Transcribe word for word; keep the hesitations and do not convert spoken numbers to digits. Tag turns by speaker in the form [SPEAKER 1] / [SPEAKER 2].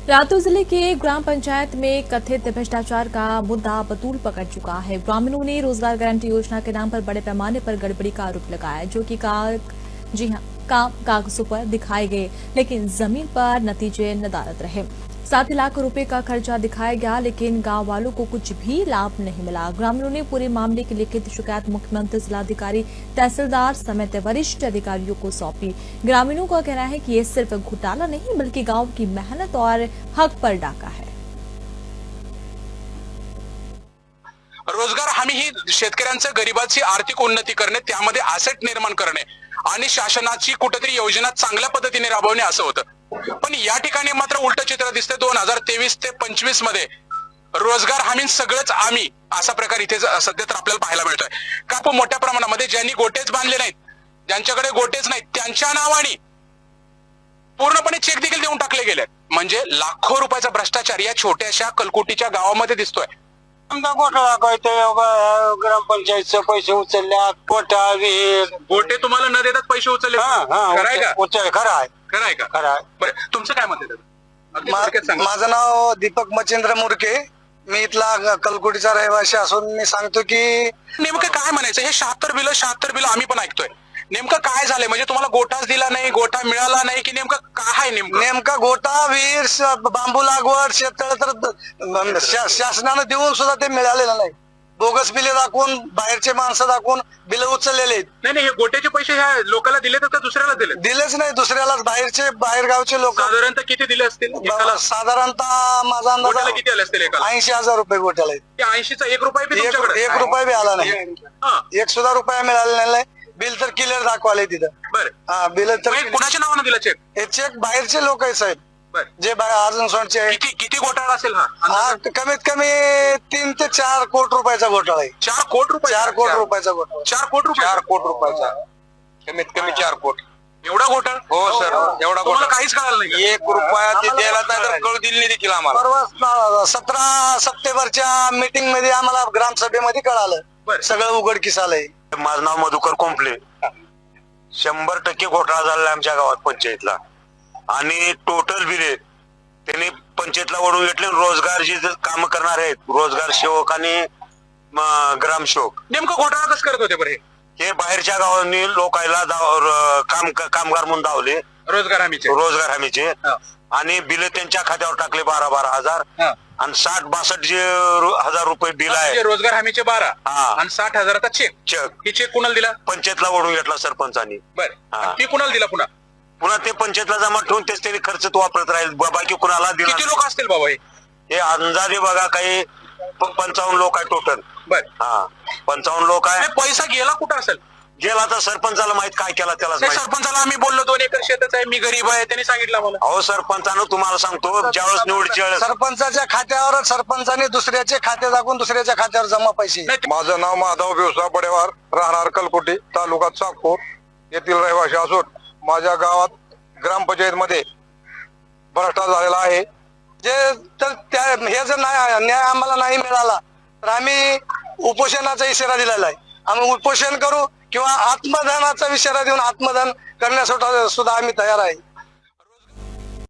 [SPEAKER 1] लातूर जिले के ग्राम पंचायत में कथित भ्रष्टाचार का मुद्दा बतूल पकड़ चुका है। ग्रामीणों ने रोजगार गारंटी योजना के नाम पर बड़े पैमाने पर गड़बड़ी का आरोप लगाया, जो कि काग जी हां काम कागजों पर दिखाए गए, लेकिन जमीन पर नतीजे नदारद रहे। सात लाख रुपए का खर्चा दिखाया गया, लेकिन गांव वालों को कुछ भी लाभ नहीं मिला। ग्रामीणों ने पूरे मामले की लिखित शिकायत मुख्यमंत्री, जिलाधिकारी, तहसीलदार समेत वरिष्ठ अधिकारियों को सौंपी। ग्रामीणों का कहना है कि ये सिर्फ घोटाला नहीं, बल्कि गांव की मेहनत और हक पर डाका है।
[SPEAKER 2] रोजगार हमी ही शेतकऱ्यांचं गरिबाची आर्थिक उन्नती करणे, त्यामध्ये ॲसेट निर्माण करणे आणि शासनाची कुठेतरी योजना चांगल्या पद्धतीने राबवणे असं होतं। पण या ठिकाणी मात्र उलट चित्र दिसते। दोन हजार तेवीस ते पंचवीस मध्ये रोजगार हमी सगळंच आम्ही असा प्रकार इथे सध्या तर आपल्याला पाहायला मिळतोय। का मोठ्या प्रमाणामध्ये ज्यांनी गोटेच बांधले नाहीत, ज्यांच्याकडे गोटेच नाहीत, त्यांच्या नावाने पूर्णपणे चेक देखील देऊन टाकले गेले। म्हणजे लाखो रुपयाचा भ्रष्टाचार या छोट्याशा कलकुटीच्या गावामध्ये दिसतोय।
[SPEAKER 3] आमचा घोटाळा काय ते ग्रामपंचायतचे पैसे उचलल्या, गोटा विहीर
[SPEAKER 2] गोटे तुम्हाला न देतात पैसे उचलले, खरं आहे का?
[SPEAKER 3] उचल खरं आहे
[SPEAKER 2] खरं आहे का?
[SPEAKER 3] खरं आहे।
[SPEAKER 2] बरं, तुमचं काय मत आहे? अगदी
[SPEAKER 3] मा-
[SPEAKER 2] थोडक्यात सांगा.
[SPEAKER 3] माझं नाव दीपक मच्छिंद्र मुरके, मी इथला कलकुटीचा रहिवासी असून मी सांगतो की
[SPEAKER 2] नेमकं काय म्हणायचं? हे शहात्तर बिल शहात्तर बिल आम्ही पण ऐकतोय। नेमकं काय झालंय? म्हणजे तुम्हाला गोटाच दिला नाही, गोटा मिळाला नाही, की नेमकं काय आहे? नेमकं
[SPEAKER 3] नेमका गोटा विहीर श- बांबू लागवड शेततळ तर शा- शासनानं देऊन सुद्धा ते मिळालेलं नाही। बोगस बिले दाखवून, बाहेरचे माणसं दाखवून बिल उचललेले आहेत।
[SPEAKER 2] नाही नाही, हे गोट्याचे पैसे ह्या लोकांना दिले तर दुसऱ्याला दिले?
[SPEAKER 3] दिलेच नाही दुसऱ्यालाच, बाहेरचे बाहेरगावचे लोक
[SPEAKER 2] साधारणतः किती दिले असतील एकाला?
[SPEAKER 3] साधारणतः माझा
[SPEAKER 2] गोट्याला
[SPEAKER 3] अंदाज
[SPEAKER 2] किती आले असतील एकाला?
[SPEAKER 3] ऐंशी हजार रुपये गोट्याला आहेत।
[SPEAKER 2] ते ऐंशीचा एक रुपया बी
[SPEAKER 3] एक
[SPEAKER 2] तुमच्याकडे?
[SPEAKER 3] एक रुपया बी आला नाही,
[SPEAKER 2] हा,
[SPEAKER 3] एक सुद्धा रुपया मिळालेला नाही। बिल तर क्लिअर दाखवाले तिथं।
[SPEAKER 2] बरं.
[SPEAKER 3] हा बिल तर
[SPEAKER 2] मग हे कुणाच्या नावानं दिला चेक?
[SPEAKER 3] हे चेक बाहेरचे लोक आहे साहेब,
[SPEAKER 2] बरं.
[SPEAKER 3] जे अर्जुन सोनचे आहे।
[SPEAKER 2] किती किती घोटाळा असेल हा?
[SPEAKER 3] हा कमीत कमी तीन ते चार कोटी रुपयाचा घोटाळा आहे।
[SPEAKER 2] चार कोटी रुपये?
[SPEAKER 3] चार कोटी रुपयाचा घोटाळा,
[SPEAKER 2] चार कोटी रुपये?
[SPEAKER 3] चार कोटी रुपयाचा, कमीत कमी चार कोटी।
[SPEAKER 2] एवढा घोटाळा?
[SPEAKER 3] हो सर, एवढा
[SPEAKER 2] तुम्हाला काहीच कळालं नाही का?
[SPEAKER 3] एक रुपया ते द्यायला तर कळू दिली नाही देखील आम्हाला। परवा सतरा सप्टेंबरच्या मीटिंग मध्ये आम्हाला ग्रामसभेमध्ये कळालं,
[SPEAKER 2] बरं.
[SPEAKER 3] सगळं उघडकीस आलंय।
[SPEAKER 4] माझं नाव मधुकर कोंपले। शंभर टक्के घोटाळा झाला आमच्या गावात पंचायतला, आणि टोटल बिले त्यांनी पंचायतला ओढून घेतले। रोजगार जे काम करणार आहेत, रोजगार सेवक आणि म, ग्रामसेवक,
[SPEAKER 2] नेमकं घोटाळा कसं करत होते बरं? हे
[SPEAKER 4] हे बाहेरच्या गावांनी लोकायला दाव- र- काम कामगार म्हणून धावले,
[SPEAKER 2] रोजगार हमीचे?
[SPEAKER 4] रोजगार हमीचे,
[SPEAKER 2] हा.
[SPEAKER 4] आणि बिल त्यांच्या खात्यावर टाकले बारा बारा हजार,
[SPEAKER 2] हा.
[SPEAKER 4] आणि साठ बासष्ट जे रु- हजार रुपये बिल
[SPEAKER 2] म्हणजे
[SPEAKER 4] आहे
[SPEAKER 2] रोजगार हमीचे बारा
[SPEAKER 4] हा.
[SPEAKER 2] आणि साठ हजाराचा चेक.
[SPEAKER 4] चेक
[SPEAKER 2] ही चेक कुणाला दिला?
[SPEAKER 4] पंचायतला ओढून घेतला सरपंचानी।
[SPEAKER 2] बरं.
[SPEAKER 4] हा.
[SPEAKER 2] आणि ती कुणाला दिला पुन्हा?
[SPEAKER 4] पुन्हा ते पंचायतला जमा ठेवून तेच त्यांनी खर्च तो वापरत राहील, बाकी कुणाला दिला
[SPEAKER 2] किती लोक असतील बाबा हे?
[SPEAKER 4] हे अंदाजे बघा काही प- पंचावन्न लोक आहे टोटल।
[SPEAKER 2] बर.
[SPEAKER 4] हा, पंचावन्न लोक आहे।
[SPEAKER 2] पैसा गेला कुठं असेल?
[SPEAKER 4] गेला तर सरपंचाला माहित काय केला त्यालाच
[SPEAKER 2] नाही,
[SPEAKER 4] माहित।
[SPEAKER 2] सरपंचाला आम्ही बोललो दोन एकर शेतच आहे, मी गरीब आहे, त्यांनी सांगितलं मला.
[SPEAKER 4] अहो सरपंचानं तुम्हाला सांगतो, ज्यावेळेस निवडीच्या वेळेस
[SPEAKER 3] सरपंचाच्या खात्यावर सरपंचाने दुसऱ्याचे खाते दाखवून दुसऱ्याच्या खात्यावर जमा पैसे।
[SPEAKER 2] नाही,
[SPEAKER 5] माझं नाव माधव बेवसा बडेवार, राहणार कलकुटी, तालुका चाकूर येथील रहिवासी असून माझ्या गावात ग्रामपंचायतमध्ये भ्रष्टाचार झालेला आहे।
[SPEAKER 3] जे तर त्या हे जर नाही न्याय आम्हाला नाही मिळाला तर आम्ही उपोषणाचा इशारा दिलेला आहे। आम्ही उपोषण करू किंवा आत्मदानाचा इशारा देऊन आत्मदान करण्यासाठी सुद्धा आम्ही तयार आहे।